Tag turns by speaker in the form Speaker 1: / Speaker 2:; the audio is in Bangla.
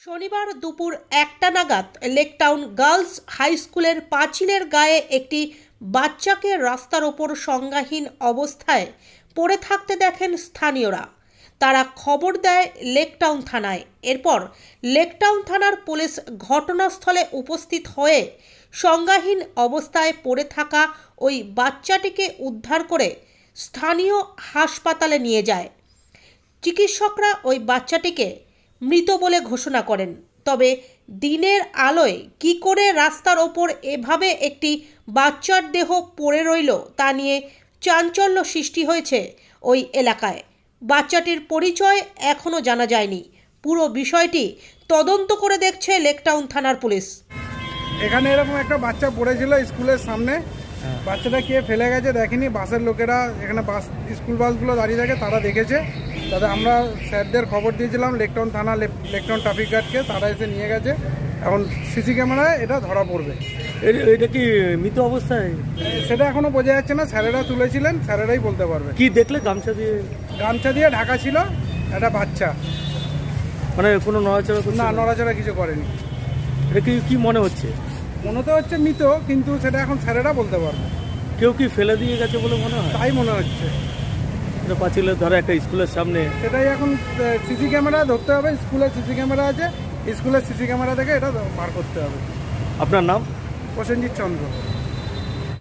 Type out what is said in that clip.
Speaker 1: শনিবার দুপুর 1টা নাগাদ লেকটাউন গার্লস হাই স্কুলের পাঁচিলের গায়ে একটি বাচ্চাকে রাস্তার ওপর সংজ্ঞাহীন অবস্থায় পড়ে থাকতে দেখেন স্থানীয়রা। তারা খবর দেয় লেকটাউন থানায়। এরপর লেকটাউন থানার পুলিশ ঘটনাস্থলে উপস্থিত হয়ে সংজ্ঞাহীন অবস্থায় পড়ে থাকা ওই বাচ্চাটিকে উদ্ধার করে স্থানীয় হাসপাতালে নিয়ে যায়। চিকিৎসকরা ওই বাচ্চাটিকে মৃত বলে ঘোষণা করেন। তবে দিনের আলোয় কী করে রাস্তার ওপর এভাবে একটি বাচ্চার দেহ পড়ে রইল তা নিয়ে চাঞ্চল্য সৃষ্টি হয়েছে ওই এলাকায়। বাচ্চাটির পরিচয় এখনও জানা যায়নি। পুরো বিষয়টি তদন্ত করে দেখছে লেকটাউন থানার পুলিশ।
Speaker 2: এখানে এরকম একটা বাচ্চা পড়েছিল স্কুলের সামনে। বাচ্চাটা কে ফেলে গেছে দেখেনি, বাসের লোকেরা, এখানে বাস স্কুল বাসগুলো দাঁড়িয়ে থাকে, তারা দেখেছে। তাদের আমরা স্যারদের খবর দিয়েছিলাম লেকটাউন থানা, লেকটাউন ট্রাফিক গার্ডকে, তারা এসে নিয়ে গেছে। এখন সিসি ক্যামেরায় এটা ধরা পড়বে।
Speaker 3: এটা কি মৃত অবস্থায়?
Speaker 2: সেটা এখনো বোঝা যাচ্ছে না, স্যারেরা তুলেছিলেন, স্যারেরাই বলতে পারবে।
Speaker 3: কি দেখলে? গামছা দিয়ে
Speaker 2: ঢাকা ছিল একটা বাচ্চা,
Speaker 3: মানে কোনো নড়াচড়া করছে
Speaker 2: না
Speaker 3: না?
Speaker 2: নড়াচড়া কিছু করেনি।
Speaker 3: এটা কি মনে হচ্ছে?
Speaker 2: মনে তো হচ্ছে মৃত, কিন্তু সেটা এখন স্যারেরা বলতে পারবে।
Speaker 3: কেউ কি ফেলে দিয়ে গেছে বলে মনে হয়?
Speaker 2: তাই মনে হচ্ছে।
Speaker 3: এটা পাঁচিলের ধারে একটা স্কুলের সামনে।
Speaker 2: সেটাই এখন সিসি ক্যামেরা ধরতে হবে। স্কুলের সিসি ক্যামেরা আছে, স্কুলের সিসি ক্যামেরা থেকে এটা বার করতে হবে।
Speaker 3: আপনার নাম?
Speaker 2: প্রসেনজিৎ চন্দ্র।